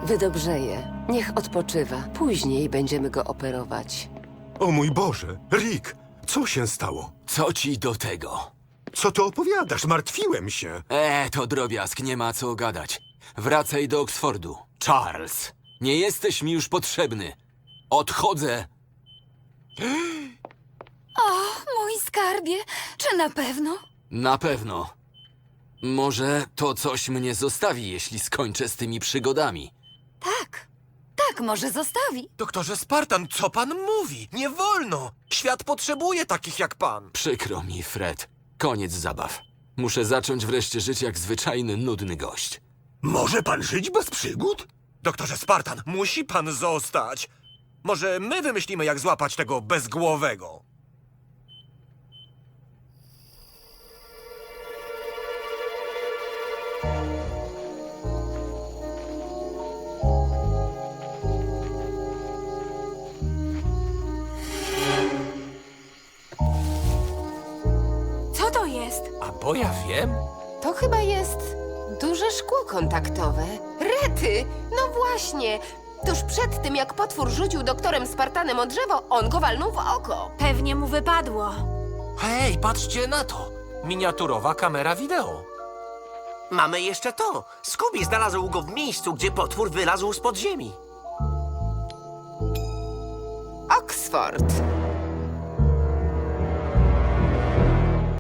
Wydobrzeje. Niech odpoczywa. Później będziemy go operować. O mój Boże, Rick, co się stało? Co ci do tego? Co ty opowiadasz? Martwiłem się. To drobiazg, nie ma co gadać. Wracaj do Oksfordu. Charles, nie jesteś mi już potrzebny. Odchodzę. Mój skarbie, czy na pewno? Na pewno. Może to coś mnie zostawi, jeśli skończę z tymi przygodami. Tak. Tak, może zostawi. Doktorze Spartan, co pan mówi? Nie wolno! Świat potrzebuje takich jak pan. Przykro mi, Fred. Koniec zabaw. Muszę zacząć wreszcie żyć jak zwyczajny, nudny gość. Może pan żyć bez przygód? Doktorze Spartan, musi pan zostać. Może my wymyślimy, jak złapać tego bezgłowego. Co to jest? A bo ja wiem. To chyba jest duże szkło kontaktowe. Rety! No właśnie! Tuż przed tym, jak potwór rzucił doktorem Spartanem o drzewo, on go walnął w oko. Pewnie mu wypadło. Hej, patrzcie na to. Miniaturowa kamera wideo. Mamy jeszcze to. Scooby znalazł go w miejscu, gdzie potwór wylazł z podziemi. Oxford.